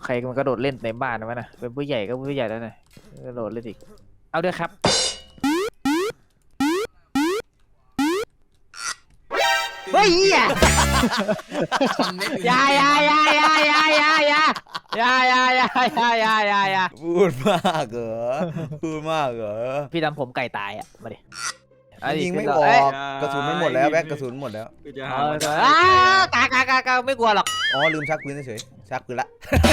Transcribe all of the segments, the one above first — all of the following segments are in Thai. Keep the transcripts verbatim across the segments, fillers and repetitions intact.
รมันกระโดดเล่นในบ้านนะวะนะเป็นผู้ใหญ่ก็ผู้ใหญ่แล้วนะกระโดดเล่นอีกเอาด้วยครับเฮ้ยอย่าอย่าอย่าอย่าอย่าอย่าอย่าอย่าอย่าอย่าอย่าอย่าอย่าอย่าพูดมากเหรอพูดมากเหรอพี่ทำผมไก่ตายอ่ะมาดิยิงไม่ออกกระสุนมันหมดแล้วแบ็คกระสุนหมดแล้วกากากากาไม่กลัวหรอกอ๋อลืมชักปืนเฉยชักปืนละ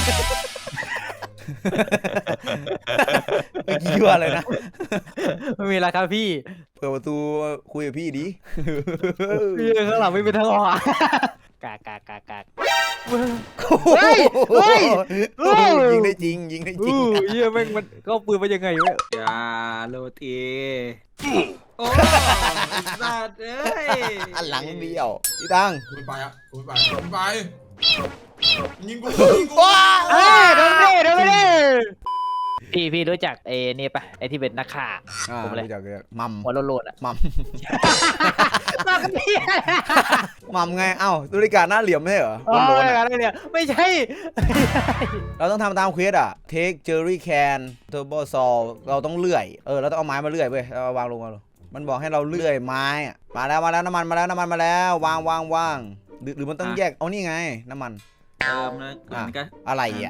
เมื่อกี้ว่าอะไรนะไม่มีอะไรครับพี่เปิดประตูคุยกับพี่ดิพี่ข้างหลังไม่เป็นทางออกกากากากาเฮ้ยเฮ้ยยิงได้จริงยิงได้จริงเยี่ยแม่งมันก็ปืนมายังไงวะอย่าโรตีโอ้สัตว์เอ้ยอันหลังเบี้ยวพี่ตังคุณไปอ่ะคุณไปคุณไปยิงกูยิงกูเฮ้ยโดนดิโดนดิพี่พี่รู้จักไอ้นี่ปะไอ้ที่เป็นนักข่าผมเลยรู้จักมัมหัวโลดๆอ่ะมัมมากันพี่มัมไงเอ้าตุลิกาหน้าเหลี่ยมไม่เหรอโดนๆอะไรเนี่ยไม่ใช่เราต้องทำตามเควสอ่ะเทคเจอรี่แคนเทอร์โบซอลเราต้องเลื่อยเออเราต้องเอาไม้มาเลื่อยเว้ยเราวางลงมาลงมันบอกให้เราเลื่อยไม้มาแล้วมาแล้วน้ำมันมาแล้วน้ำมันมาแล้ววางวางวางหรือหรือมันต้องแยกเอานี่ไงน้ำมันเติมนะอ่ะอะไรอ่ะ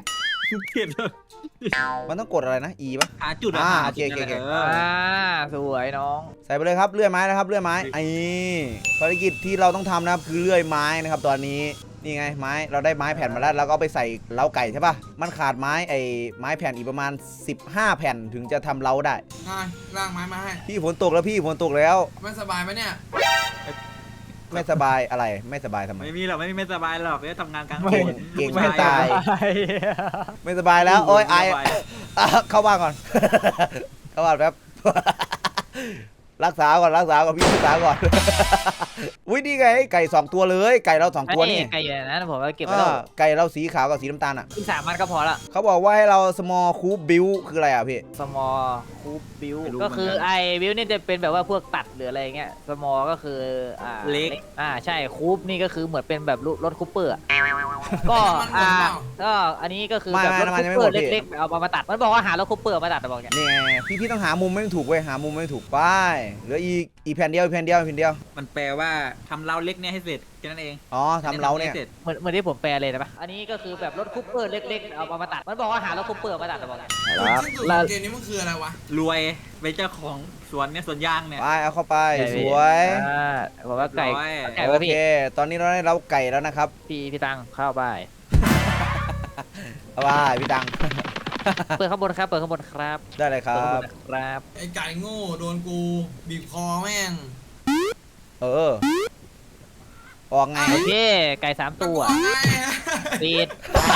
มันต้องกดอะไรนะ E ป่ะหาจุดอ่าโอเคโอเคอ่าสวยน้องใส่ไปเลยครับเลื่อยไม้นะครับเลื่อยไม้ไอ้ภารกิจที่เราต้องทำนะครับคือเลื่อยไม้นะครับตอนนี้นี่ไงไม้เราได้ไม้แผ่นมาแล้วเราก็ไปใส่เล้าไก่ใช่ป่ะมันขาดไม้ไอ้ไม้แผ่นอีกประมาณสิบห้าแผ่นถึงจะทำเล้าได้ล่างไม้มาให้พี่ฝนตกแล้วพี่ฝนตกแล้วไม่สบายไหมเนี่ยไม่สบายอะไรไม่สบายทำไมไม่มีหรอกไม่มีไม่สบายหรอกเนี่ยทำงานกลางคืนเก่งไม่ตายไม่สบายแล้วโอ้ยไอเข้าบ้านก่อนเข้าบ้านแป๊บรักษาก่อนรักษาก่อนพี่รักษาก่อนอุ้ยนี่ไงไก่สองตัวเลยไก่เราสองตัวนี่ไก่นะผมก็เก็บไว้แล้วไก่เราสีขาวกับสีน้ำตาลอ่ะอีกสามมันก็พอละเขาบอกว่าให้เรา small cube build คืออะไรอ่ะพี่ small cube build ก็คือไอ้ build นี่จะเป็นแบบว่าพวกตัดหรืออะไรเงี้ย small ก็คืออ่าเล็กอ่าใช่คูปนี่ก็คือเหมือนเป็นแบบรถคูปเปอร์ก็อ่าก็อันนี้ก็คือแบบรถคูปเปอร์เล็กๆเอามาตัดมันบอกว่าหารถคูปเปอร์มาตัดบอกอย่างนี่ไงพี่พี่ต้องหามุมไม่ถูกเว้ยหามุมไม่ถูกไปเหลืออีกอีแผ่นเดียวแผ่นเดียวแผ่นเดียวมันแปลว่าทำเล้าเล็กเนี่ยให้เสร็จแค่นั้นเองอ๋อทำเล้าเนี่ยเหมือนเหมือนที่ผมแปลเลยนะปะอันนี้ก็คือแบบรถคูปเปอร์เล็กๆเอามาตัดมันบอกว่าหารถคูปเปอร์มาตัดบอกอย่างแล้วเกมนี้มันคืออะไรวะรวยเป็นเจ้าของสวนเนี่ยสวนยางเนี่ยไปเอาเข้าไปสวยบอกว่าไก่ไก่โอเคตอนนี้เราได้เล้าไก่แล้วนะครับพี่พี่ตังเข้าไปเอาไปพี่ตังเปิดข้างบนครับเปิดข้างบนครับได้เลยครับครับไอ้ไก่โง่โดนกูบีบคอแม่งเออออกไงโอเคไก่สามตัวปิด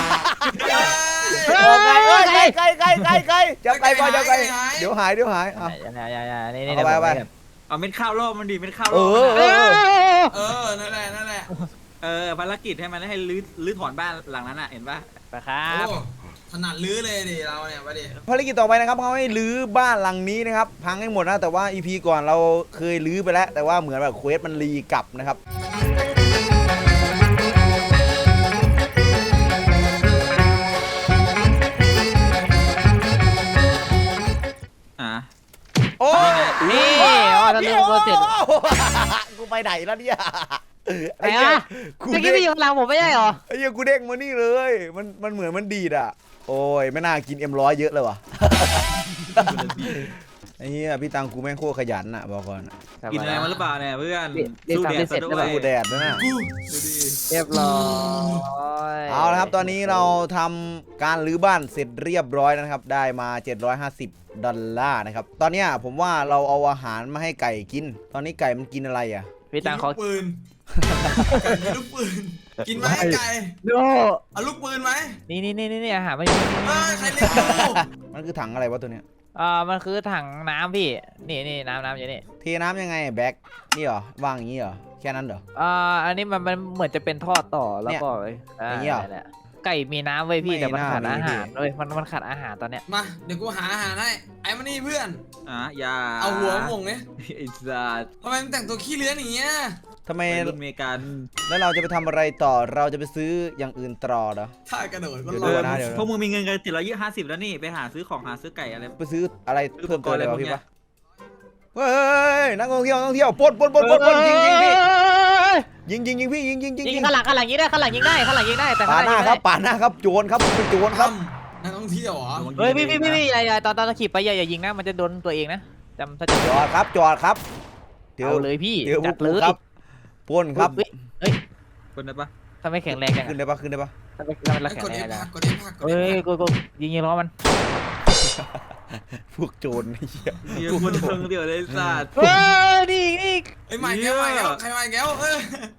ออกไงเอ้ยไก่ไก่ไก่ไก่ไก่จับไก่ก่อนจับไก่เดี๋ยวหายเดี๋ยวหายอ่ะอย่าอย่าอย่านี่นี่เอาไปไปเอาเม็ดข้าวรอบมันดีเม็ดข้าวรอบเออเออนั่นแหละนั่นแหละเออภารกิจให้มันให้รื้อรื้อถอนบ้านหลังนั้นอ่ะเห็นป่ะไปครับถนัดรื้อเลยดิเราเนี่ยไปดิภารกิจต่อไปนะครับเขาให้รื้อบ้านหลังนี้นะครับพังให้หมดนะแต่ว่า อี พี ก่อนเราเคยรื้อไปแล้วแต่ว่าเหมือนแบบเควสมันรีกลับนะครับอ่ะโอ้นี่อ๋อตอนนี้กูเสร็จกูไปไหนแล้วเนี่ยไอ้เนี้ยเมื่อกี้พี่อยู่ข้างหลังผมไม่ใช่หรอไอ้เนี้ยกูเด้งมานี่เลยมันมันเหมือนมันดีดอ่ะโอ้ยไม่น่ากินเอ็มร้อยเยอะเลยว่ะไอ้เหี้ยพี่ตังกูแม่งโคตรขยันอ่ะบอกก่อนกินอะไรมาหรือเปล่าเนี่ยเพื่อนสู้แดดซะด้วยสู้แดดนะน่ะเรียบร้อยเอาละครับตอนนี้เราทำการรื้อบ้านเสร็จเรียบร้อยนะครับได้มาเจ็ดร้อยห้าสิบดอลลาร์นะครับตอนนี้ผมว่าเราเอาอาหารมาให้ไก่กินตอนนี้ไก่มันกินอะไรอ่ะพี่ตังเขาปืนไก่มีลูกปืนกินไหมไก่ดูเอาลูกปืนไหมนี่นี่นี่นี่อาหารไม่ใครเลี้ยงกูมันคือถังอะไรวะตัวเนี้ยอ่ามันคือถังน้ำพี่นี่นี่น้ำน้ำอย่างนี้เทน้ำยังไงแบ็คนี่เหรอวางอย่างนี้เหรอแค่นั้นเหรออ่าอันนี้มันมันเหมือนจะเป็นท่อต่อแล้วก็อย่างนี้เหรอไก่มีน้ำไว้พี่แต่มันขาดอาหารเลยมันมันขาดอาหารตอนเนี้ยมาเดี๋ยวกูหาอาหารให้ไอ้มานี่เพื่อนอ่ะอย่าเอาหัวหม่งเนี่ยไอ้สัสทำไมมึงแต่งตัวขี้เลื้อนอย่างเงี้ยททำไมวัยรุ่นอเมริกันแล้วเราจะไปทำอะไรต่อเราจะไปซื้ออย่างอื่นต่อเหรอถ้ากระโดดก็เดี๋ยวรดูอก่อนดนะเดี๋ยวพวกมึงมีเงินกันเจ็ดร้อยยี่ห้าสิบแล้วนี่ไปหาซื้อของหาซื้อไก่อะไรไปซื้ออะไรเพิ่มเติมเลยวะซื้ออุปกรณ์อะไรพวกพี่เนี้ปะยเฮ้ยนักท่องเที่ยวนักท่องเที่ยวปล้นปล้นปล้นปล้นปล้นยิงยิงพี่ยิงยิงยิงพี่ยิงยิงยิงยิยิงงข้างหลังข้างหลังยิงได้ข้างหลังยิงได้ข้างหลังยิงได้แต่ปาข้างดหหลัน้างยิงครับไม่ได้ปาดหน้าครับโจรครับเป็นโจรครับนักท่องเที่ยวเหรอเฮ้ยพี่พี่พี่พี่อย่าอย่าตอนตอนเราขี่ไปอย่าอย่ายิงนะมันจะโดนตัวเองนะจำถ้าจะจอดครับจอดครับเดี๋ยวเอาเลยพี่เดี๋ยวพวจักดกูเลยครับปล้นครับเฮ้ยเฮ้ยคนได้ปะทำไมแข็งแรงจังขึ้นอะได้ปะขึ้นได้ปะทำไมทำไมเราไอ้แข็กงดแรเอง ฟจังพัอะกกดเอฟพักกดเฮ้เอย ฟกูกูยิงยิงล้อมันพวกโจรไอ้เหี้ยมีคนเทิงเดียวเลยสัตว์เฮ้ยนี่นี่ไอ้ใหม่แก้วใหม่แก้วใครใหม่แก้วเออ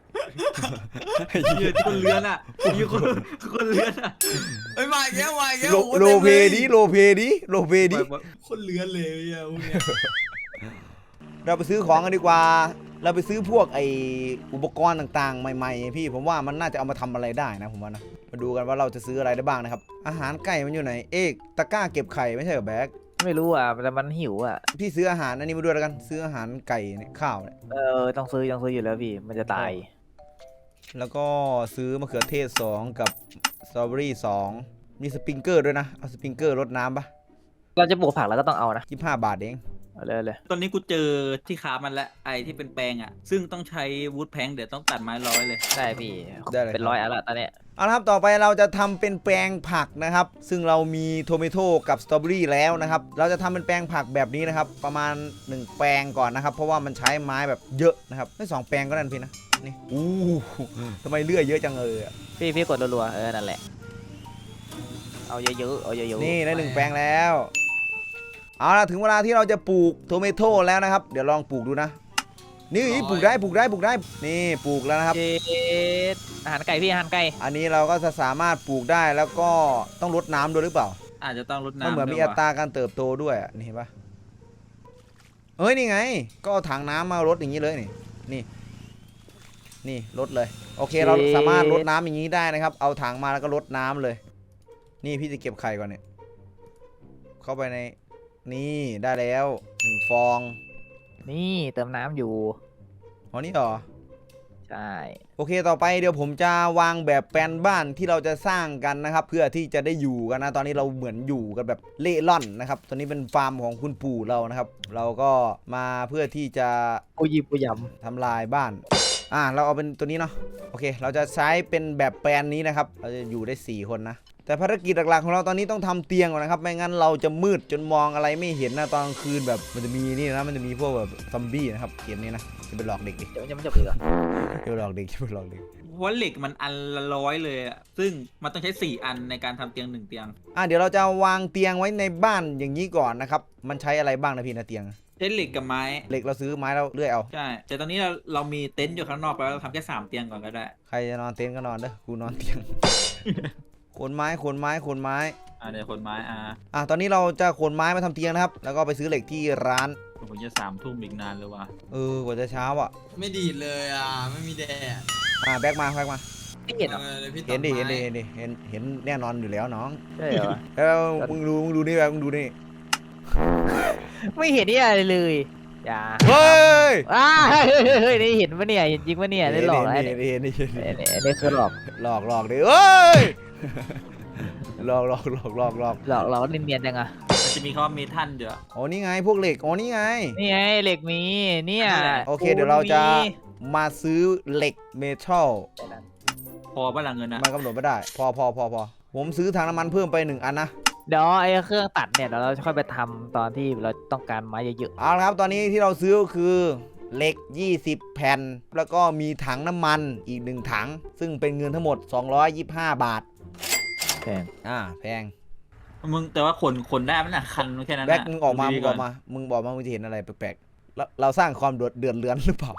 ยืนคนเลื้อนอ่ะยืนคนคนเลื้อนอ่ะไอ้ใหม่แก้วใหม่แก้วโลโลเพดีโลเพดีโลเพดีคนเลือนเลยอ่ะพวกเนี้ยเราไปซื้อของกันดีกว่า เราไปซื้อพวกไออุปกรณ์ต่างๆ ใหม่ๆพี่ผมว่ามันน่าจะเอามาทำอะไรได้นะผมว่านะมาดูกันว่าเราจะซื้ออะไรได้บ้างนะครับอาหารไก่มันอยู่ไหนเอกตะกร้าเก็บไข่ไม่ใช่เหรอแบ็คไม่รู้อ่ะแต่มันหิวอ่ะพี่ซื้ออาหารอันนี้มาด้วยแล้วกันซื้ออาหารไก่เนี่ยข้าวเนี่ยเออต้องซื้อต้องซื้ออยู่แล้วพี่มันจะตายแล้วก็ซื้อมะเขือเทศสองกับสตรอเบอรี่สองมีสปริงเกอร์ด้วยนะเอาสปริงเกอร์รดน้ำปะเราจะปลูกผักแล้วก็ต้องเอานะยี่สิบห้าบาทเองเอาเลยเอาเลยตอนนี้กูเจอที่ค้ามันและไอที่เป็นแปลงอ่ะซึ่งต้องใช้วูดแพงเดี๋ยวต้องตัดไม้ร้อยเลยได้พี่ได้เลยเป็นร้อยอันละตอนเนี้ยเอาละครับต่อไปเราจะทำเป็นแปลงผักนะครับซึ่งเรามีโทเมโต้กับสตรอเบอรี่แล้วนะครับเราจะทำเป็นแปลงผักแบบนี้นะครับประมาณหนึ่งแปลงก่อนนะครับเพราะว่ามันใช้ไม้แบบเยอะนะครับไม่สองแปลงก็ได้นะพี่นะนี่อู้ทำไมเลื่อยเยอะจังเลยอะพี่พี่กดรัวๆเออนั่นแหละเอาเยอะๆเอาเยอะๆนี่ได้หนึ่งแปลงแล้วเอาละถึงเวลาที่เราจะปลูกโทเมโต้แล้วนะครับเดี๋ยวลองปลูกดูนะนี่ปลูกได้ปลูกได้ปลูกได้นี่ปลูกแล้วนะครับเจ็ดอาหารไก่พี่อาหารไก่อันนี้เราก็จะสามารถปลูกได้แล้วก็ต้องรดน้ำด้วยหรือเปล่าอาจจะต้องรดน้ำมันเหมือนมีด้วยอัวะตราการเติบโตด้วยอ่ะนี่เห็นปะเฮ้ยนี่ไง ก็เอาถังน้ำมารดอย่างนี้เลยนี่นี่นี่รดเลยโอเคเราสามารถรดน้ำอย่างนี้ได้นะครับเอาถังมาแล้วก็รดน้ำเลย นี่พี่จะเก็บไข่ก่อนเนี่ยเข้าไปในนี่ได้แล้วหนึ่งฟองนี่เติมน้ำอยู่อ๋อนี่เหรอใช่โอเคต่อไปเดี๋ยวผมจะวางแบบแปลนบ้านที่เราจะสร้างกันนะครับเพื่อที่จะได้อยู่กันนะตอนนี้เราเหมือนอยู่กันแบบเล่ร่อนนะครับตอนนี้เป็นฟาร์มของคุณปู่เรานะครับ เราก็มาเพื่อที่จะกูยิบกูยทำลายบ้านอ่าเราเอาเป็นตัวนี้เนาะโอเค เราจะใช้เป็นแบบแปลนนี้นะครับเราจะอยู่ได้สี่คนนะแต่ภารกิจหลักๆของเราตอนนี้ต้องทำเตียงก่อนนะครับไม่งั้นเราจะมืดจนมองอะไรไม่เห็นนะตอนกลางคืนแบบมันจะมีนี่นะมันจะมีพวกแบบซอมบี้นะครับเกมนี้นะจะไปหลอกเด็กดิำเดี๋ยวมันจะไม่จบอีกเหรอจะไปหลอกเด็กจะไปหลอกเด็กเพราะว่าเหล็กมันอันละร้อยเลยอ่ะซึ่งมันต้องใช้สี่อันในการทำเตียงหนึ่งเตียงอ่ะเดี๋ยวเราจะวางเตียงไว้ในบ้านอย่างนี้ก่อนนะครับมันใช้อะไรบ้างนะพี่นะเตียงใช้เหล็กกับไม้เหล็กเราซื้อไม้เราเลื่อยเอาใช่แต่ตอนนี้เราเรามีเต็นท์อยู่ข้างนอกไปแล้วเราทำแค่สามเตียงก่อนก็ได้ใครจะนอนเต็นท์ก็นอนเด้อกูนอนเตียง ขนไม้ขนไม้ขนไม้อ่าเดี๋ยวคนไม้อ่าอ่ะตอนนี้เราจะขนไม้มาทำเตียงนะครับแล้วก็ไปซื้อเหล็กที่ร้านผมจะสามทุ่มอีกนานเลยว่ะเออกว่าจะเช้าอ่ะไม่ดีดเลยอ่ะไม่มีแดดอ่ะแบกมาแบกมาไม่เห็นเหรอเออดี๋ยวพี่เห็นดิตัเห็นดิไม้เห็นดิเห็นเห็นแน่นอนอยู่แล้วน้องใช่เหรอแล้วมึงดูมึงดูนี่แบบมึงดูนี่ไม่เห็นนี่อะไรเลยอย่าเฮ้ยอ้าเฮ้ยเฮ้ยเฮ้ยนี่เห็นปะเนี่ยเห็นจริงปะเนี่ยได้หลอกแล้วเห็เนี่ยนเห็นเห็นเห็นเนี่ยเนี่ยคือหลอกหลอกหลอกดิเอ้ยหลอกหลอกหลอกหลอกหลอกหลอกเราเนียนๆจังอะมันจะมีคำว่าเมทัลเดี๋ยวอ๋อนี่ไงพวกเหล็กอ๋อนี่ไงนี่ไงเหล็กมีเนี่ยโอเคเดี๋ยวเราจะมาซื้อเหล็กเมทัลพอป่ะล่ะเงินนะมันกำหนดไม่ได้ พอพอพอพอผมซื้อถังน้ำมันเพิ่มไปหนึ่งอันนะเดี๋ยวไอ้เครื่องตัดเนี่ยเดี๋ยวเราจะค่อยไปทำตอนที่เราต้องการไม้เยอะเอาละครับตอนนี้ที่เราซื้อก็คือเหล็กยี่สิบแผ่น แล้วก็มีถังน้ำมันอีกหนึ่งถัง ซึ่งเป็นเงินทั้งหมดสองร้อยยี่สิบห้าบาทๆแพงอ่าแพงมึงแต่ว่าขนขนได้ไหมน่ะคันแค่นั้นแบ็คน่ะมึงออกมาดูมึดีงออกมามึงบอกมามึงจะเห็นอะไรแปลกๆเราเราสร้างความเดือดเดือดเรือนหรือเปล่า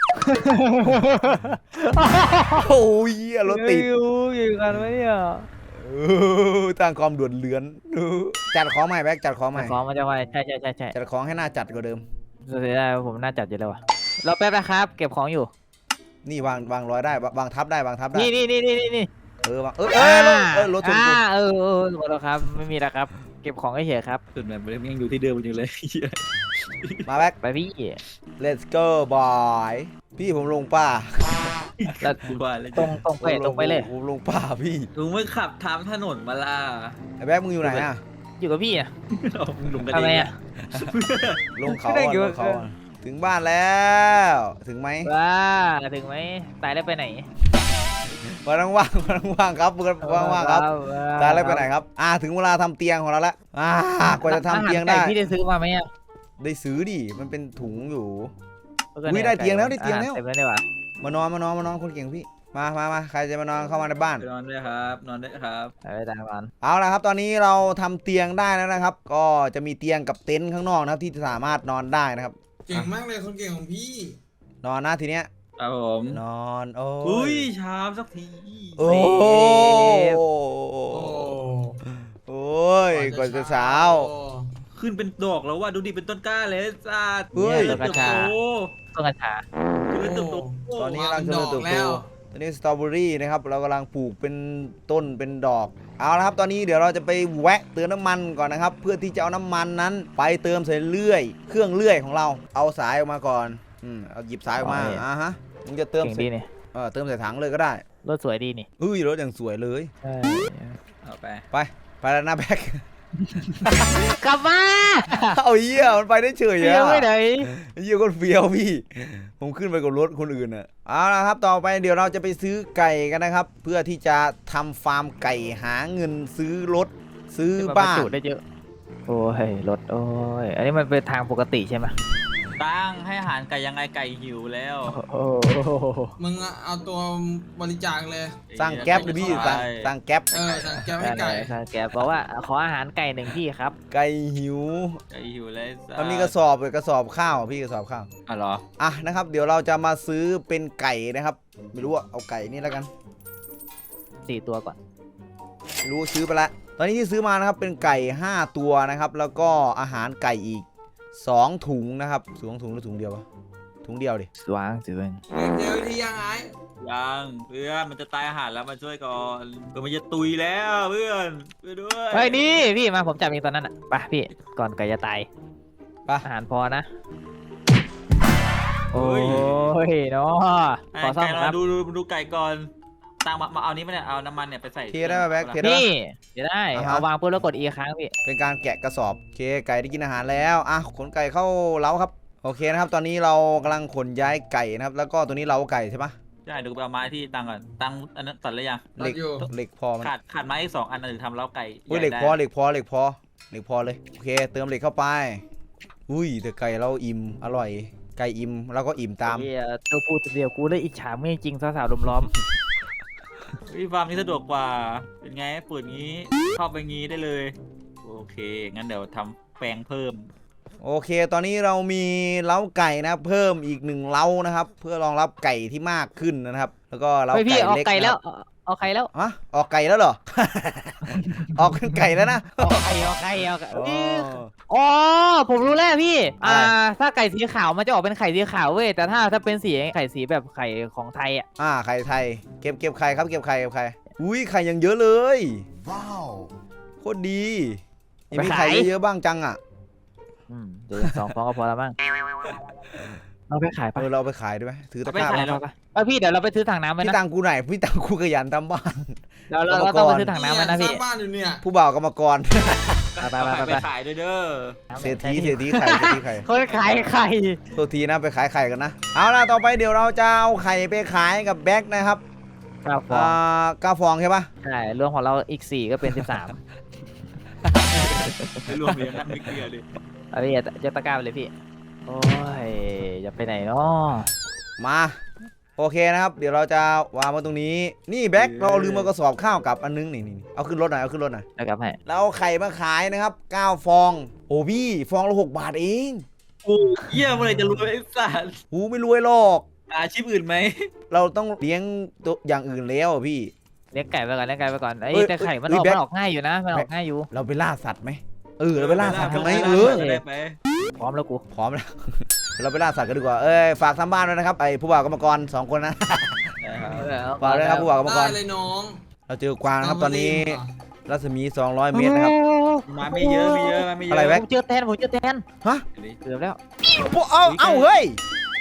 โอ้ยเหี้ยรถติดอยู่กันไหมเนี่ยเออสร้างความเดือดเรือนเออจัดของใหม่แบ็คจัดของใหม่ของมันจะไวใช่ใช่ใช่ใช่จัดของให้หน่าจัดกว่าเดิมเสียดายว่าผมน่าจัดอยู่แล้ววะเราแป๊บนะครับ เก็บของอยู่นี่วางวางร้อยได้วางทับได้วางทับได้นี่นี่นี่นี่นี่นี่เออวางเออเออรถเออรถชนกูอ่าเออเออหมดแล้วครับ ไม่มีแล้วครับ เก็บของเฉยๆครับส่วนแบบยังอยู่ที่เดิมอยู่เลยมาแบ็คไปพี่ let's go boy พี่ผมลงป่าแล้วกูว่าเลยตรงตรงไปตรงไปเลยผมลงป่าพี่ลุงไม่ขับทางถนนมาล่ะไอ้แบ๊กมึงอยู่ไหนอ่ะอยู่กับพี่อ่ะเอามึงลงกันทำเอไมงอ่ะลงเขาไม่ได้อ่ะอยู่ลงเขาอ่ะถึงบ้านแล้วถึงไหมว้าถึงไหมตายแล้วไปไหนวันว่างๆวันว่างๆครับวันว่างๆครับตายแล้วไปไหนครับอ่าถึงเวลาทำเตียงของเราแล้วอ่ากว่าจะทำเตียงได้อาหารก่พี่ได้ซื้อมาไหมอ่ะได้ซื้อดิมันเป็นถุงอยู่เอออุ๊ยได้เตียงแล้วได้เตียงแล้วอ่ะเต็มแล้วได้ป่ะมานอนมานอนมานอนคนเก่งพี่มามามาใครจะมานอนเข้ามาในบ้านไปนอนด้วยครับ นอนด้วยครับไปตามมันเอาละครับตอนนี้เราทำเตียงได้แล้วนะครับ ก็จะมีเตียงกับเต็นท์ข้างนอกนะครับที่สามารถนอนได้นะครับเก่งมากเลยคนเก่งของพี่นอนนะทีเนี้ยครับผมนอนโอ้อุ้ยยชามสักทีโอ้โอ้โอ้ยกว่าจะเช้าขึ้นเป็นดอกแล้วว่าดูดิเป็นต้นกล้าเลยจ้าเฮ้ยเติบโตต้นกัญชาคือเติบโตตอนนี้กำลังดเจริอญกเติบโตแล้วตอนนี้สตรอเบอรี่นะครับเรากำลังปลูกเป็นต้นเป็นดอกเอาละครับตอนนี้เดี๋ยวเราจะไปแวะเติมน้ำมันก่อนนะครับ เพื่อที่จะเอาน้ำมันนั้นไปเติมใส่เลื่อย เครื่องเลื่อยของเราเอาสายออกมาก่อนอืมเอาหยิบสายออกมาอ่าฮะมึงจะเติมเก่งใส่ดีนี่เออเติมใส่ถังเลยก็ได้รถสวยดีนี่เฮ้ยรถอย่างสวยเลยใช่เอาไปไปไปแล้วนะแบ็คกลับมาเอาเหี้ยมันไปได้เฉยเฟี้ยวอะไปไหนเหี้ยคนเฟี้ยวพี่ ผมขึ้นไปกับรถคนอื่นอ่ะเอาละครับต่อไปเดี๋ยวเราจะไปซื้อไก่กันนะครับ เพื่อที่จะทำฟาร์มไก่หาเงินซื้อรถซื้อบ้านจุได้เยอะโอ้ยรถโอ้ยอันนี้มันเป็นทางปกติใช่ไหมตั้งให้อาหารไก่ยังไงไก่หิวแล้วโอ้โหมึงเอาตัวบริจาคเลยสร้างแก๊ปเลยพี่สร้างสร้างแก๊ปเออสั่งแก้วให้ไก่ใช่แกบอกว่าขออาหารไก่หนึ่งที่ครับไก่หิวไก่หิวเลยจ้ามันมีกระสอบเลยกระสอบข้าวพี่กระสอบข้าวอ๋อเหรออ่ะนะครับ เดี๋ยวเราจะมาซื้อเป็นไก่นะครับ ไม่รู้อะเอาไก่นี่แล้วกันสี่ตัวก่อนไม่รู้ซื้อไปละตอนนี้ที่ซื้อมานะครับเป็นไก่ห้าตัวนะครับ แล้วก็อาหารไก่อีกสองถุงนะครับสองถุงหรือถุงเดียววะถุงเดียวดิสว่างสิเว้ยเดี๋ยวที่ยังไงยังเพื่อนมันจะตายอาหารแล้วมาช่วยก่อนเพื่อนมันจะตุยแล้วเพื่อนช่วยด้วยเฮ้ยนี่พี่มาผมจับเองตอนนั้นอ่ะไปพี่ก่อนไก่จะตายไปอาหารพอนะโอ้ยเนาะไอ้ขอซ่อมไก่คเรารับดูดูดูไก่ก่อนตั้งมามาเอานี้มาเนี่ยเอาน้ำมันเนี่ยไปใส่เทได้ไหมแบ็คเทได้นี่เดี๋ยวได้อ่าฮะเอาวางปุ๊บแล้วกด E ค้างพี่เป็นการแกะกระสอบโอเคไก่ได้กินอาหารแล้วอ่ะขนไก่เข้าเล้าครับโอเคนะครับ ตอนนี้เรากำลังขนย้ายไก่นะครับ แล้วก็ตัวนี้เล้าไก่ใช่ปะใช่เดูไปเอาไม้ที่ตั้งก่อนตั้งอันนั้นตัดแล้วยังเหล็กอยู่เหล็กพอมันขาดขาดไม้อีกสองอันนะถึงทำเล้าไก่อุ้ยเหล็กใญ่พอได้เหล็กพอเหล็กพอเหล็กพอเลยโอเค เติมเหล็กเข้าไปอุ้ยแต่ไก่เราอิ่มอร่อย ไก่อิ่มแล้วก็อิ่มตามเฮียตัวพูดตัวเดียวกูเลยอิจฉาไม่จริงสาวๆลุมล้อมวิฟาร์มนี้สะดวกกว่าเป็นไงเปิดงี้เข้าไปงี้ได้เลยโอเคงั้นเดี๋ยวทำแปลงเพิ่มโอเค ตอนนี้เรามีเล้าไก่นะครับเพิ่มอีกหนึ่งเล้านะครับ เพื่อรองรับไก่ที่มากขึ้นนะครับ แล้วก็เล้าเฮ้ยพี่ไก่ออกเล็กไก่แล้วนะครับเอาเอาไก่แล้วฮะออกไก่แล้วเหรอ ออกเป็นไก่แล้วนะเอาไก่เอาไก่เอาไก่อ๋ออ๋อผมรู้แล้วพี่อะไรอ่าถ้าไก่สีขาวมันจะออกเป็นไข่สีขาวเว้ยแต่ถ้าถ้าเป็นสีไข่สีแบบไข่ของไทยอ่ะอ่าไข่ไทยเก็บเก็บไข่ครับเก็บไข่เก็บไข่อุ้ยไข่ยังเยอะเลยว้าวโคตรดียังมีไข่เยอะๆบ้างจังอ่ะอืมเดี๋ยวสองฟองก็พอแล้วมั้งเราไปขายเอปะอเราเอาไปขายได้ไหมถือตะเอาไปกร้าขายมาแล้วไปเออพี่เดี๋ยวเราไปซื้อถังน้ำไว้พี่นะตังกูไหนพี่ตังกูขยันทำบ้านเราเราเราต้องไปซื้อถังน้ำไว้นะสพี่ร้างบ้านอยู่เนี่ยผู้บ่าวกรรมกรไปไปเอาไปไปไปขายด้วยเด้อเศรษฐีเศรษฐีไข่เศรษฐีไข่คนขายไข่โทษทีนะไปขายไข่กันนะเอาล่ะต่อไปเดี๋ยวเราจะเอาไข่ไปขายกับแบ็คนะครับเก้าฟออ่าง เก้าฟองใช่ปะใช่รวมของเราอีกสี่ก็เป็นสิบสามไม่รวมเหรียญนั่นไม่เกลียร์เลยเอาพี่จะตะกร้าไปเลยพี่โอ้ยจะไปไหนเนาะมาโอเคนะครับ เดี๋ยวเราจะวางมาตรงนี้นี่แบ็คเราเอาลืมมากระสอบข้าวกับอันนึงนี่นี่เอาขึ้นรถหน่อยเอาขึ้นรถหน่อยแล้วกลับให้เราเอาไข่มาขายนะครับเก้าฟองโอ้พี่ฟองละหกบาทเองกูเยี่ยมอะไรจะรวยไอ้สัสหูไม่รวยหรอกอาชีพอื่นไหมเราต้องเลี้ยงตัวอย่างอื่นแล้วอะพี่เลี้ยงไก่ไปก่อนเลี้ยงไก่ไปก่อนไอ้เอ้ยแต่ไข่มันเอ้อย อกแบ็คมันออกง่ายอยู่นะมันออกง่ายอยู่เราไปล่าสัตว์ไหมเออเราไปล่าสัตว์กันไหมเออจะได้ไปพร้อมแล้วกูพร้อมแล้ว เดี๋ยวเราไปล่าสัตว์กันดีกว่าเอ้ยฝากทำบ้านด้วยนะครับไอ้ผู้บ่าวกรรมกรสองคนนะ ฝากด้วยนะครับผู้บ่าวกรรมกได้รเลยน้องเราเจอกวางนะครับตอนนี้รัศมีสองร้อยเมตรนะครับมาไม่เยอะไม่เยอะมาไม่เยอะอะไรแบ็คผมเจอแทนผมเจอแทนฮะเกือบแล้วพวกเอาเอาเฮ้ย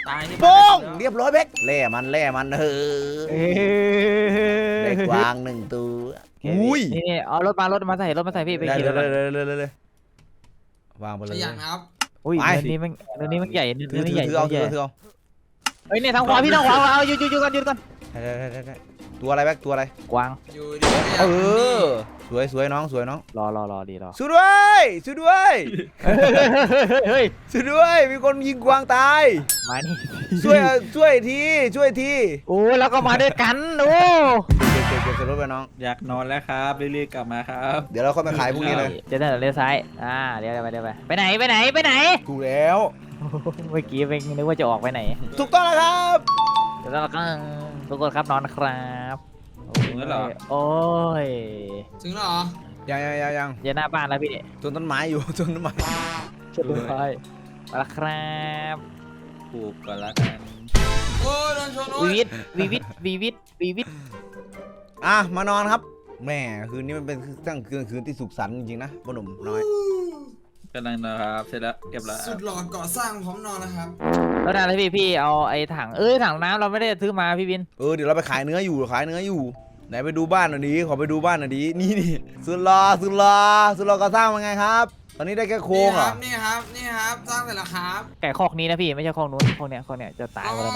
ตายที่โป้งบ้านเรียบร้อยแบ็คแล่มันแล่มันเออเอ้ยได้กวางหนึ่งตัวอุ้ยนี่เอารถมารถมาใส่รถมาใส่พี่ไปได้ขี่เลรยถเลยเลยเลยเลยวางไปขเลยยันครับอุ้ยไปเนื้อนี้มันเนื้อนี้มันใหญ่เนื้ถืออถืนี้อใหญ่ถือเอาถืใหอญ่ถือเอาเฮ้ยเนี่ยทางขวาพี่ทางขวาเอาหยุดหยุดหยุดก่อนหยุดก่อนได้ได้ได้ได้ตัวอะไรแบ็คตัวอะไรกวางอยู่ดีก็อยากเอกินนี่อสวยสวยน้องสวยน้องรอรอรอดีรอช่วยด้วยช่วยด้วยเฮ้ยช่วยด้วยมีคนยิงกวางตายมานี่ช่วยช่วยทีช่วยทีโอ้แล้วก็มาด้วยกันโอ้เก็บเก็บเก็บใส่รถไปน้องอยากนอนแล้วครับรีบๆกลับมาครับเดี๋ยวเราค่อยมาขายพรุ่งนี้เลยเดี๋ยวเดี๋ยวเลี้ยวซ้ายอ่าเดี๋ยวเดี๋ยวไปเดี๋ยวไปไปไหนไปไหนไปไหนถูกแล้วเมื่อกี้เป็นนึกว่าจะออกไปไหนถูกต้องแล้วครับเดี๋ยวเราก็ทุกคนครับนอนครับถึงแล้วเหรอโอ้ยถึงแล้วเหรอยังยังยังยังเดี๋ยวหน้าบ้านแล้วพี่เนี่ยต้นต้นไม้อยู่ ต้นต้นไม้จะดูไปมาแล้วครับปลูกก่อนละกันโอ้ยโดนชนโอ้วียวิทวีวิทวีวิทวีวิทอ่ะมานอนครับแหม่คืนนี้มันเป็นตั้งคืนคืนที่สุขสันต์จริงๆนะพ่อหนุ่มน้อยกำลังนะครับเสร็จแล้วเรียบร้อยสุดหล่อก่อสร้างพร้อมนอนนะครับแล้วนานเลยพี่พี่เอาไอ้ถังเอ้ยถังน้ำเราไม่ได้ซื้อมาพี่บินเออเดี๋ยวเราไปขายเนื้ออยู่ขายเนื้ออยู่ไหนไปดูบ้านหน่อยดิขอไปดูบ้านหน่อยดินี่นี่สุดรอสุดรอสุดรอก็สร้างมาไงครับ ตอนนี้ได้แค่โครนี่งคเหรรัอบนี่ครับนี่ครับสร้างเสร็จแล้วครับไก่คอกนี้นะพี่ไม่ใช่คอกนู้นคอกเนี้ยคอกเนี้ยจะตายหมดแล้วนะ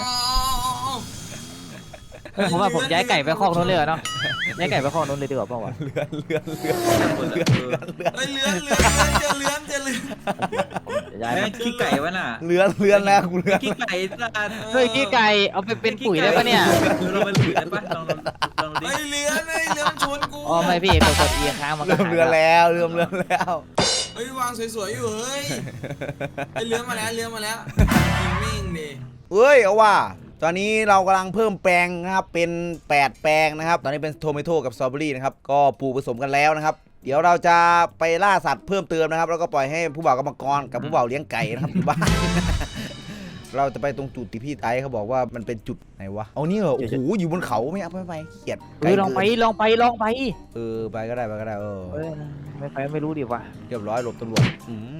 อ๋อผมว่าผมย้ายไก่ไปคอกนู้นเลยเหรอเนาะย้ายไก่ไปคอกนู้นเลยดีกว่าเปล่าวะเลือนเลือนเลือนหมดแล้วเออเลือนเฮ้ยเลื้อนเลื้อนเจอเลื้อนเจอเลื้อนจะย้ายแม่ไปงขี้ไก่วะน่ะเลือนเลือนแล้วกูเลือนขี้ไก่สัตว์เฮ้ยขี้ไก่เอาไปเป็นปุ๋ยได้ปะเนี่ยเราไปปุ๋ยได้ปะลองลองลองดิเฮ้ยเลื้อนเฮ้ยเลื้อนชนกูอ๋อไม่พี่กดกดเอียค้างมันก็เริ่มหายเลือนแล้วเริ่มเลือนแล้วเฮ้ยวางสวยๆอยู่เฮ้ยเฮ้ยเลื้อนมาแล้วเลื้อนมาแล้วยิงมิ่งดิเฮ้ยเอาว่าตอนนี้เรากำลังเพิ่มแปลงนะครับเป็นแปดแปลงนะครับตอนนี้เป็นโทเมโต้กับสตรอเบอรี่นะครับก็ปลูกผสมกันแล้วนะครับเดี๋ยวเราจะไปล่าสัตว์เพิ่มเติมนะครับแล้วก็ปล่อยให้ผู้บ่าวกรรมกรกับผู้บ่าวเลี้ยงไก่นะครับอยู่บ้าน เราจะไปตรงจุดที่พี่ไต้เขาบอกว่ามันเป็นจุดไหนวะเอานี่เหรอโอ้โหอยู่บนเขาไม่เอาไปไปเขียดเออลองไปลองไปลองไปเออไปก็ได้ไปก็ได้เออเออไม่ไปไม่รู้ดิวะเรียบร้อยหลบตำรวจอืม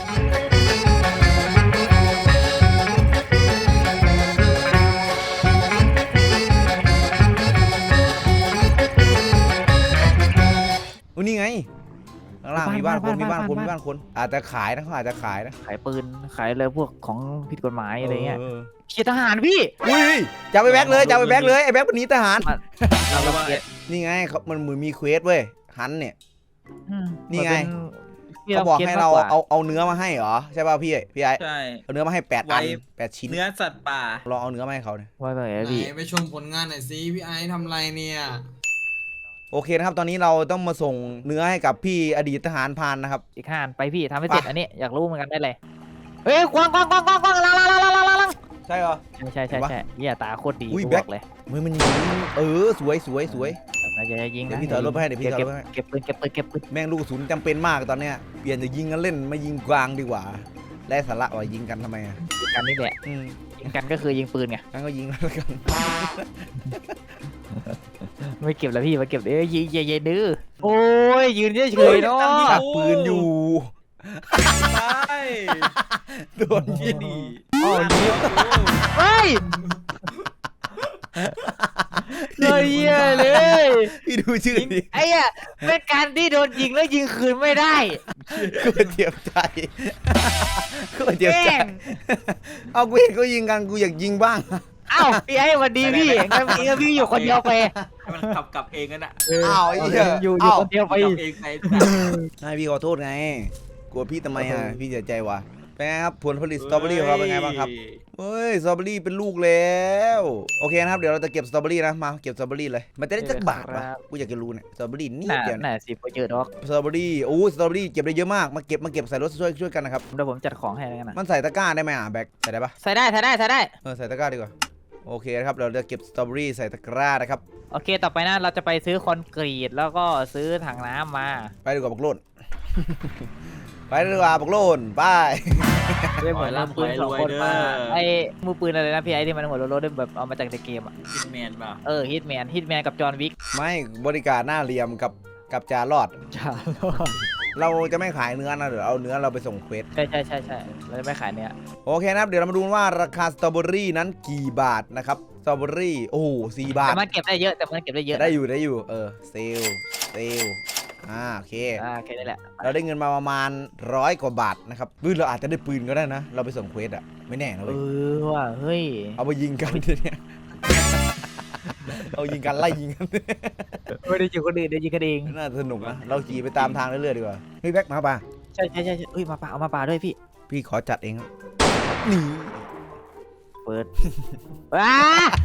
อุ้ยนี่ไงข้างล่างมีบ้านคนมีบ้านคนมีบ้านคนอาจจะขายนะเขาอาจจะขายนะขายปืนขายอะไรพวกของผิดกฎหมายอะไรเงี้ยออเขียดทหารพี่อุ้ยจะเอาไปแบ็คเลยจะเอาไปแบ็คเลยไอ้แบ็คเป็นหนีทหารเราว่านี่ไงเขามันเหมือนมีเควสเว้ยฮันเนี่ยอืมนี่ไงมันเป็นเขาบอกให้เราคสมกกว่เอาเอาเนื้อมาให้เหรอใช่ป่ะพี่พี่ไอ้ใช่เอาเนื้อมาให้แปดอันไว้แปดชิ้นเนื้อสัตว์ป่าลองเอาเนื้อมาให้เขาเนี่ยว่าไปไหนไหพี่นไปชมผลงานหน่อยสิพี่ไอซ์ทำอะไรเนี่ยโอเคนะครับตอนนี้เราต้องมาส่งเนื้อให้กับพี่อดีตทหารพรานนะครับอีกห้านไปพี่ทำให้เสร็จไปอันนี้อยากรู้เหมือนกันได้เลยเฮ้ยกวางกวางกวางกวางกวางลังลังลังลังลังลังลังใช่เหรอใช่ใช่เห็นปะใช่เหี้ยตาโคตรดีอุ้ยกูแบ็บคอกเลยเฮ้ยมันยิงเออสวยสวยสวยอย่าอย่ายิงเดี๋ยนะวพี่ถอยรถไปให้เดี๋ยวพี่ถอยรถไปให้เก็บปืนเก็บปืนเก็บปืนแม่งลูกกระสุนจำเป็นมากตอนเนี้ยเปลี่ยนจากยิงกันเล่นมายิงกวางดีกว่าและสาระว่ายิงกันทำไมอ่ะยิงกันนี่แหละอืมยิงกันก็คือยิงปืนไงงั้นก็ยิงแล้วกันไม่เก็บแล้วพี่มาเก็บเอ้ยยิงอย่าอย่าดื้อโอ้ยยืนเฉยๆเนาะชักปืนอยู่ไปโดนเชี่ยิยงดีอ๋อยิงเฮ้ยเลยเหี้ยเลยพี่ดูชื่อดิไอ้อะเป็นการที่โดนยิงแล้วยิงคืนไม่ได้กูเจ็บใจกูเจ็บแกใจล้งเอากูเห็นเขายิงกันกูอยากยิงบ้างเอ้าพี่ไอ้สวันดีพี่งั้นพี่ก็พี่อยู่คนเดียวไปให้มันขับกลับเองกันอ่ะอ้าวไอ้เหี้ยอยู่อยู่อ้าวคนเดียวไปขับเองไปให้พี่ขอโทษไงกลัวพี่ทำไมอ่ะพี่เสียใจว่ะเป็นไงครับผลผลิตสตรอเบอรี่ของเราเป็นไงบ้างครับเฮ้ยสตรอเบอรี่เป็นลูกแล้วโอเคนะครับเดี๋ยวเราจะเก็บสตรอเบอรี่นะมาเก็บสตรอเบอรี่เลยมันจะได้จักบาทวะกูอยากจะรู้เนี่ยสตรอเบอรี่นี่น่าเดียวเนี่ยน่าสิพอเยอะดอกสตรอเบอรี่โอ้สตรอเบอรี่เก็บได้เยอะมากมาเก็บมาเก็บใส่รถช่วยช่วยกันนะครับเดี๋ยวผมจัดของให้แล้วกันนะมันใส่ตะกร้าได้ไหมอ่ะแบ็คใส่ได้ปะใส่ได้ใส่ได้ใส่ได้เออใส่ตะกร้าดีกว่าโอเคนะครับเราจะเก็บสตรอเบอรี่ใส่ตะกร้านะครับโอเคต่อไปนะเราจะไปซื้อคอนกรีตแล้วก็ซื้อถังน้ำมาไปดีกว่าบักโลน ไปดีกว่าบักโลนไปเรื่องเหมือนมือปืนสองคนมาไอ้มือปืนอะไรนะพี่ไอ้ที่มันหัวโลดๆแบบเอามาจากในเกมอ่ะคิดแมนเปล่าเออฮิตแมนฮิตแมนกับจอห์นวิกไม่บริการหน้าเหลี่ยมกับกับจารอดจ้าเราจะไม่ขายเนื้อนะเดี๋ยวเอาเนื้อเราไปส่งเควสใช่ใช่ใช่ใช่เราจะไม่ขายเนี่ยโอเคนะครับเดี๋ยวเรามาดูว่าราคาสตรอเบอรี่นั้นกี่บาทนะครับสตรอเบอรี่โอ้โหสี่บาทแต่มันเก็บได้เยอะแต่มันเก็บได้เยอะได้อยู่ได้อยู่เออเซลเซลอ่าโอเคอ่าแค่นี้แหละเราได้เงินมาประมาณร้อยกว่าบาทนะครับปืนเราอาจจะได้ปืนก็ได้นะ เราไปส่งเควสอะไม่แน่นะเอเว้ยอว่ะเฮ้ยเอาไปยิงกันทีเนี้ยเอายิงกันไล่ยิงกันไม่ได้ยิงคนอื่นได้ยิงกันเองน่าสนุกนะเราขี่ไปตามทางเรื่อยๆดีกว่าเฮ้ยแบ็คมาป่ะใช่ใช่ใช่เฮ้ยมาป่าเอามาป่าด้วยพี่พี่ขอจัดเองครับนี่เปิดว้า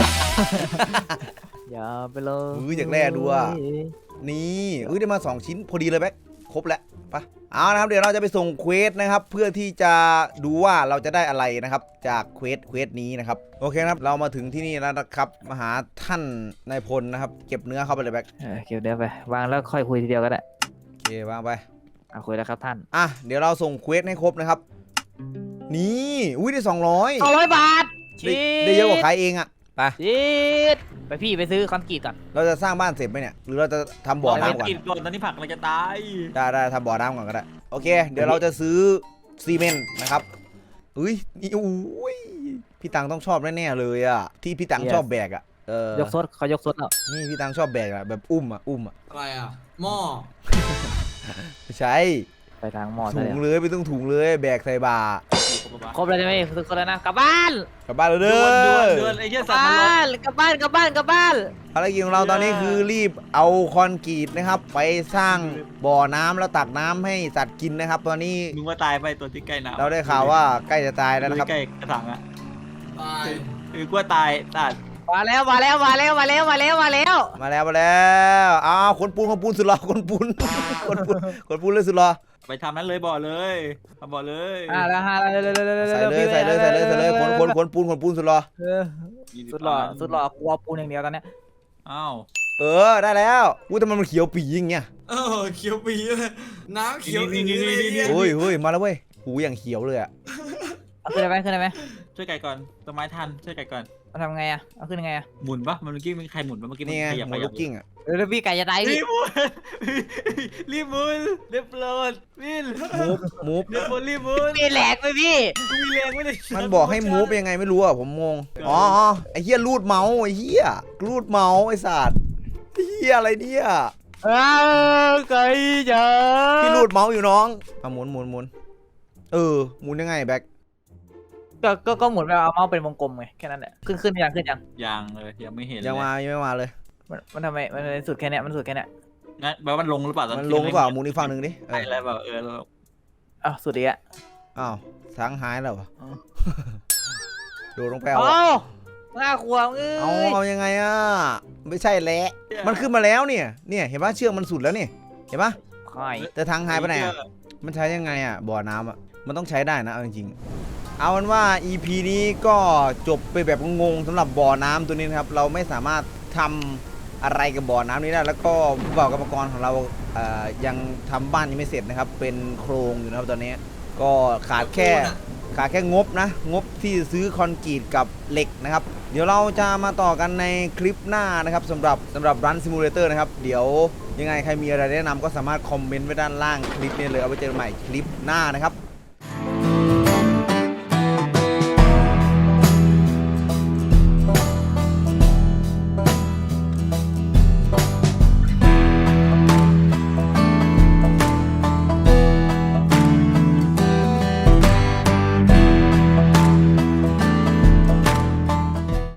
อย่าไปเลยอุ้ยอยากแล่ดูอ่ะนี่อุ้ยได้มาสองชิ้นพอดีเลยแบ็คครบแล้วไปเอานะครับเดี๋ยวเราจะไปส่งเควสนะครับเพื่อที่จะดูว่าเราจะได้อะไรนะครับจากเควสเควสนี้นะครับโอเคนะครับเรามาถึงที่นี่แล้วนะครับมาหาท่านนายพลนะครับเก็บเนื้อเข้าไปเลยแบ็คเออเก็บเดี๋ยวไปวางแล้วค่อยคุยทีเดียวก็ได้โอเควางไปเอาคุยแล้วครับท่านอ่ะเดี๋ยวเราส่งเควสให้ครบนะครับนี่อุ้ยได้สองร้อยสองร้อยบาทได้ได้เยอะกว่าขายเองอ่ะไปชีดไปพี่ไปซื้อคอนกรีตก่อนเราจะสร้างบ้านเสร็จไหมเนี่ยหรือเราจะทำบ่อไม่น้ำก่อนกินก่อนตอนนี้ผักเราจะตายได้ได้ทำบ่อน้ำก่อนก็ได้โอเค เดี๋ยวเราจะซื้อซีเมนต์นะครับอุ้ยนี่อุ้ยพี่ตังต้องชอบแน่ๆเลยอ่ะที่พี่ตังชอบแบกอ่ะเออยกซดเขายกซดแล้วนี่พี่ตังชอบแบกอ่ะแบบอุ้มอ่ะอุ้มอ่ะอะไรอ่ะหม้อไม่ใช่ไปทางหมอซะถุแล้งวเลยไม่ต้องถุงเลยแบกใส่บ่าครบแล้วใช่ไหมทุกคนแล้วนะกลับบ้านกลับบ้านเลยเดืเด้อนเดือนอเดือนไอ้เหี้ยกสัลัตบว์มันบ้านกลับบ้านกลับบ้านกลับบ้านภารกิจของเราตอนนี้คือรีบเอาคอนกรีตนะครับ ไปสร้างบ่อน้ำแล้วตักน้ำให้สัตว์กินนะครับ ตอนนี้มึงว่าตายไปตัวที่ใกล้น้ำเราได้ข่าวว่าใกล้จะตายแล้วนะครับใกล้กระถางอ่ะตายคือกลัวตายตัดมาแล้วมาแล้วมาแล้วมาแล้วมาแล้วมาแล้วมาแล้วมาแล้วอ้าวคนปูนคนปูนสุดหล่อคนปูนคนปูนคนปูนเลยสุดหล่อไปทำนั้นเลยบ่อเลยทำบ่อเลยอ่าแล้วฮะแล้วแล้วแล้วใส่เลยใส่เลยใส่เลยใส่เลยคนคนคนปูนคนปูนสุดหล่อสุดหล่อสุดหล่อกลัวปูนอย่างเดียวตอนเนี้ยอ้าวเออได้แล้วอุ้ยทำไมมันเขียวปีอย่างเงี้ยเออเขียวปีเลยน้ำเขียวอีเลยโอ้ยเฮ้ยมาแล้วเว้ยหูอย่างเขียวเลยอ่ะเอาขึ้นได้ไหมขึ้นได้ไหมช่วยไก่ก่อนต้นไม้ทันช่วยไก่ก่อนมันทำไงอ่ะเอาขึ้นยังไงอ่ะหมุนปะมันเมื่อกี้มันใครหมุนปะเมื่อกี้มันนี่ไงขยับหขมูยัลูบกกิ้งอ่ะเออแล้วพี่ไก่จะตายรีพี่บหมุนรีบหมุนเรียบร้อยวินมูฟมูฟเรียบหมุนรีบหมุนมีแหลกไปพี่มีแรงไม่ได้มันบอกให้มูฟยังไงไม่รู้อ่ะผมงงอ๋อไอ้เหี้ยรูดเมาส์ไอ้เหี้ยรูดเมาส์ไอ้สัตว์ไอ้เหี้ยอะไรเนี่ยเออไก่จ๋าพี่รูดเมาส์อยู่น้องเอาหมุนหมุนหมุนเออหมุนยังไงแบ็คก็ก็ก็หมุนไปเอาเมาส์เป็นวงกลมไงแค่นั้นแหละขึ้นขึ้นยังขึ้นยังยังเลยยังไม่เห็นยังมายังไม่มาเลยมันมันทำไมมันสุดแค่เนี้ยมันสุดแค่เนี้ยงั้นแปลว่ามันลงหรือเปล่าตอนมันลงหรือเปล่าหมุนอีกฝั่งหนึ่งดิเอใช่อแล้วแบบเอออ้าวสุดอีกอ่ะอ้าวสังหายแล้วเหรออ๋อโดดลงไปเอาโอ้ง่าขวางเอ้เอายเอายังไงอ่ะไม่ใช่แหละมันขึ้นมาแล้วเนี่ยเนี่ยเห็นปะเชือกมันสุดแล้วนี่เห็นปะไข่แต่ทางหายไปไหนอะมันใช้ยังไงอ่ะบ่อน้ำอ่ะมันต้องใช้ได้นะเอาจริงๆเอาเป็นว่า อี พี นี้ก็จบไปแบบงงๆสำหรับบ่อน้ำตัวนี้นะครับเราไม่สามารถทำอะไรกับบ่อน้ำนี้ได้แล้วก็ผู้บ่าวกรรมกรของเราเอ่อยังทำบ้านยังไม่เสร็จนะครับเป็นโครงอยู่นะครับตอนนี้ก็ขาดแค่ขาดแค่งบนะงบที่ซื้อคอนกรีตกับเหล็กนะครับเดี๋ยวเราจะมาต่อกันในคลิปหน้านะครับสำหรับสำหรับ Run Simulator นะครับเดี๋ยวยังไงใครมีอะไรแนะนำก็สามารถคอมเมนต์ไว้ด้านล่างคลิปนี้เลยเอาไว้เจอกันใหม่คลิปหน้านะครับ